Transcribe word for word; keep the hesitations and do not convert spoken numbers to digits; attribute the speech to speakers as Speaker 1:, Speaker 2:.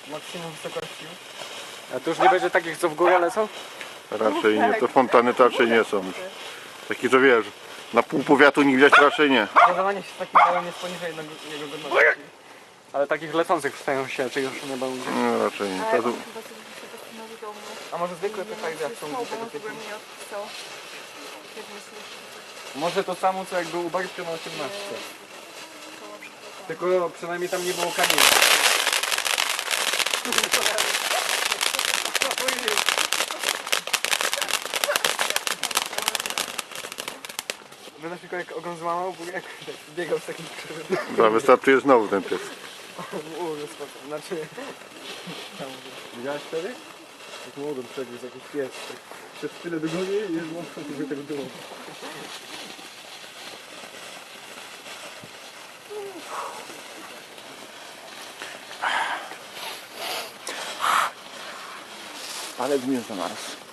Speaker 1: maksimum wysokości.
Speaker 2: A to już nie będzie takich, co w górę lecą?
Speaker 3: Raczej nie, to fontany to raczej nie są. Taki, że wiesz, na pół powiatu nie widać, raczej nie.
Speaker 1: Ładowanie się z takim małym jest poniżej jego jego godności.
Speaker 2: Ale takich lecących wstają się, czy już nie będzie?
Speaker 3: No, raczej nie.
Speaker 4: Ale
Speaker 3: To,
Speaker 4: on chyba sobie się postanowił do mnie.
Speaker 1: A może zwykłe P V D są
Speaker 4: No, bo
Speaker 1: tego
Speaker 4: on
Speaker 1: typu?
Speaker 4: chyba mnie odpisał. Jak myślisz?
Speaker 2: Może to samo, co jak był u Bartka na osiemnastce. Tylko przynajmniej tam nie było kamieni.
Speaker 1: Będę tylko jak ogon złamał, bo jak biegał z takim krzywym.
Speaker 3: to wystartuje znowu ten pies.
Speaker 1: Uuu, znaczy...
Speaker 2: Widziałeś wtedy? Jak młodym przebiegł jakiś pies. Tak przez tyle do góry i jest mocno, żeby tego było.
Speaker 3: Ale mnie zamarzł.